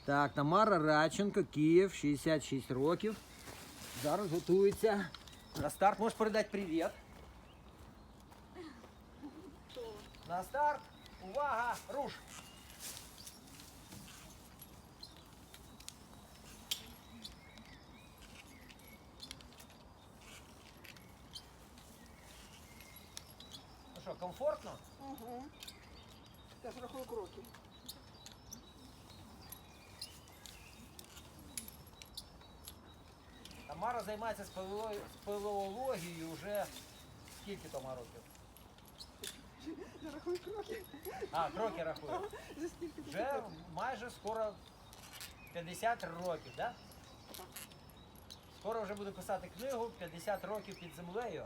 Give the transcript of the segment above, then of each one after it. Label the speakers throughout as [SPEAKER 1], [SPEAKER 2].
[SPEAKER 1] Так, Тамара Радченко, Київ, 66 років. Зараз готується. На старт можеш передати привіт. На старт. Увага! Руш! Ну що, комфортно?
[SPEAKER 2] Угу. Я ж рахую кроки.
[SPEAKER 1] Тамара займається спелеологією вже скільки Тома років?
[SPEAKER 2] Я рахую кроки.
[SPEAKER 1] А, кроки рахує.
[SPEAKER 2] За скільки ти
[SPEAKER 1] Вже
[SPEAKER 2] років?
[SPEAKER 1] майже скоро 50 років, так? Да? Скоро вже буду писати книгу «50 років під землею».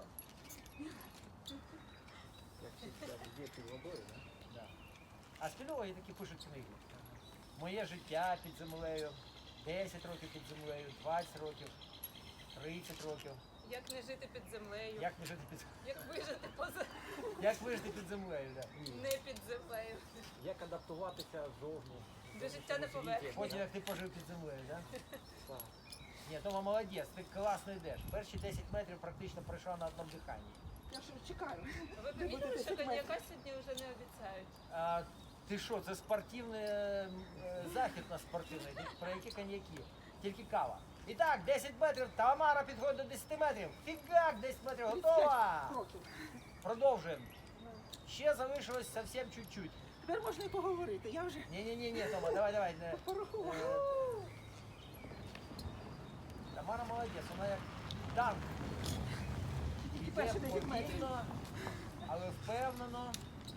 [SPEAKER 1] Як всі кажуть, діти водою, так? Да? А спільологи такі пишуть книги. Моє життя під землею, 10 років під землею, 20 років, 30 років.
[SPEAKER 3] Як не жити під землею?
[SPEAKER 1] Як не жити під
[SPEAKER 3] Як вижити поза
[SPEAKER 1] Як вижити під землею, так.
[SPEAKER 3] не під землею?
[SPEAKER 4] Як адаптуватися зовні.
[SPEAKER 3] До життя не поверхні.
[SPEAKER 1] Потім як ти пожив під землею, так?
[SPEAKER 4] Так.
[SPEAKER 1] Ні, Тома молодець, ти класно йдеш. Перші 10 метрів практично пройшла на одному диханні.
[SPEAKER 2] Я ж чекаю.
[SPEAKER 3] Ви помітили, що коньяка сьогодні вже не обіцяють?
[SPEAKER 1] А, ти що, це спортивний захід на спортивний, про які коньяки? Тільки кава. І так, 10 метрів, Тамара підходить до 10 метрів. Фігак, 10 метрів, готова!
[SPEAKER 2] Кроків.
[SPEAKER 1] Продовжуємо. Ще залишилось зовсім чуть-чуть.
[SPEAKER 2] Тепер можна і поговорити. Я вже
[SPEAKER 1] Ні, Тома, давай.
[SPEAKER 2] порахувала.
[SPEAKER 1] Тамара молодець, вона як танк.
[SPEAKER 2] Тільки перші 10 метрів.
[SPEAKER 1] повільно, але впевнено.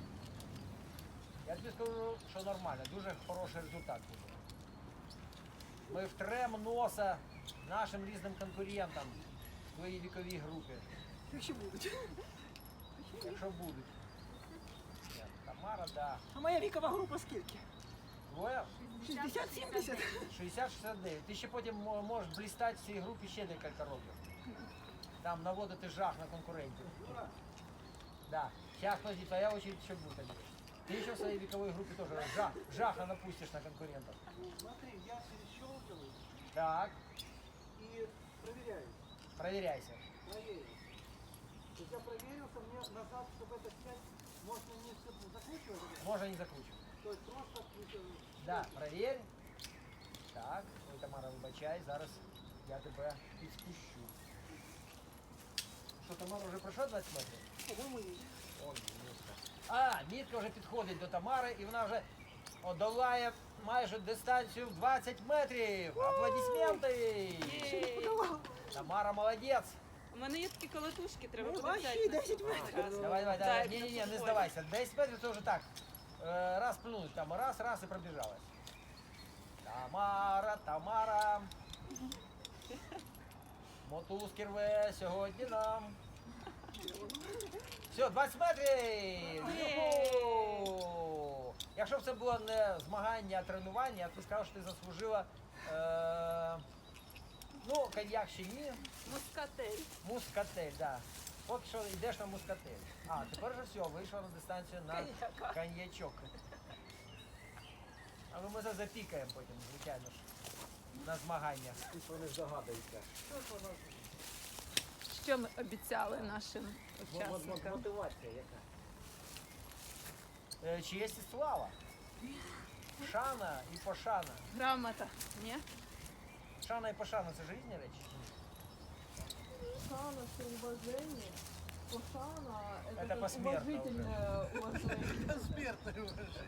[SPEAKER 1] Я тобі скажу, що нормально, дуже хороший результат буде. Ми втрем носа нашим різним конкурентам в твоїй віковій групі,
[SPEAKER 2] Якщо будуть.
[SPEAKER 1] якщо будуть. Ні, Тамара, да.
[SPEAKER 2] А моя вікова група скільки?
[SPEAKER 1] Твоя
[SPEAKER 2] 60-70?
[SPEAKER 1] 60-69. Ти ще потім можеш блістати в цій групі ще декілька років. Там наводити жах на конкурентів. Да. Сейчас, подожди, твоя очередь еще будет. Андрей. Ты еще в своей вековой группе тоже жаха напустишь на конкурентов.
[SPEAKER 5] Смотри, я перещелкиваю
[SPEAKER 1] Так,
[SPEAKER 5] и проверяю.
[SPEAKER 1] проверяйся.
[SPEAKER 5] Проверю. То есть я проверился, мне назад, чтобы это снять, можно не все закручивать.
[SPEAKER 1] Можно не закручивать.
[SPEAKER 5] То есть просто
[SPEAKER 1] Да, проверь. Так, ой, Тамара, вибачай, зараз я тебе підспущу. Що, Тамара вже пройшла 20 метрів?
[SPEAKER 2] По-моєму, ні.
[SPEAKER 1] Ой, мітка. А, мітка вже підходить до Тамари і вона вже одолає майже дистанцію в 20 метрів. Аплодисменти! Тамара молодець.
[SPEAKER 3] У мене є такі колотушки, треба
[SPEAKER 2] Ну,
[SPEAKER 3] буде
[SPEAKER 2] ваші
[SPEAKER 3] взяти.
[SPEAKER 2] 10 метрів.
[SPEAKER 1] Давай.
[SPEAKER 3] Так,
[SPEAKER 1] Ні,
[SPEAKER 3] на
[SPEAKER 1] не
[SPEAKER 3] футболі.
[SPEAKER 1] здавайся. 10 метрів це вже так. Раз плюнуть, там раз і пробіжалась. Тамара. Мотузки рве сьогодні нам. Все, 20 метрів! Юху! Якщо б це було не змагання, а тренування, я б сказав, що ти заслужила коньяк ще ні.
[SPEAKER 3] Мускатель.
[SPEAKER 1] Мускатель, да. Поки що йдеш на мускатель. А, тепер вже все, вийшла на дистанцію на
[SPEAKER 3] Коньяка.
[SPEAKER 1] коньячок. Але ми це запікаємо потім, звичайно ж, на змаганнях.
[SPEAKER 4] Ніхто не здогадується.
[SPEAKER 3] Що ми обіцяли нашим учасникам?
[SPEAKER 4] Мотивація яка?
[SPEAKER 1] Честь і слава. Шана і пошана.
[SPEAKER 3] Грамота, ні?
[SPEAKER 1] Шана і пошана це ж різні речі?
[SPEAKER 6] Шана – это уважение. Пошана – это
[SPEAKER 1] Это
[SPEAKER 6] как
[SPEAKER 1] посмертно
[SPEAKER 6] уважительное уважение.
[SPEAKER 5] смертное уважение.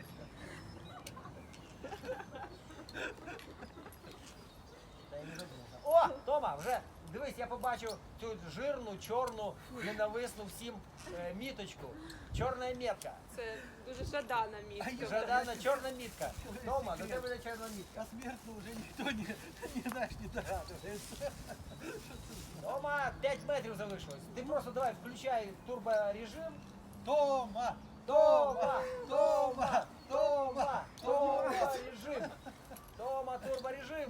[SPEAKER 1] Та я не задумався. О, Тома, вже дивись, я побачив цю жирну, чорну, ненависну всім міточку. Чорна метка.
[SPEAKER 3] Це дуже жадана мітка.
[SPEAKER 1] Жадана чорна мітка. Тома, до тебе буде чорна мітка.
[SPEAKER 5] А смертно уже никто не догадывается.
[SPEAKER 1] Тома, 5 метрів залишилось. Ти просто давай включай турборежим.
[SPEAKER 5] Тома!
[SPEAKER 1] Тома! Турборежим! Тома, турборежим!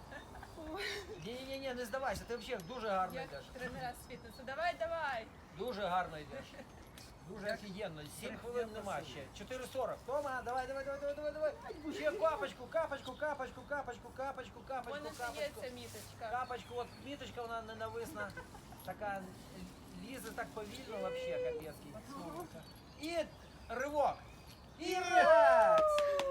[SPEAKER 1] Ні, не здавайся, ти взагалі дуже гарно
[SPEAKER 3] Як
[SPEAKER 1] йдеш.
[SPEAKER 3] тренера з фітнесу. Давай.
[SPEAKER 1] Дуже гарно йдеш. Дуже офігенно. 7 хвилин нема ще. 4:40. Тома, давай. Ще капочку.
[SPEAKER 3] У мене ще є ця міточка.
[SPEAKER 1] Капочку, от міточка, вона ненависна. Така лізе так повільно вообще, капецький. І ривок. І раз!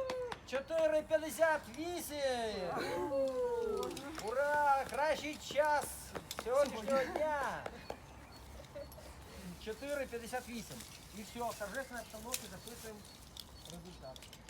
[SPEAKER 1] 4:58! Ура! Кращий час сьогоднішнього дня! 4:58. І все, в торжественной обстановке записуємо результат.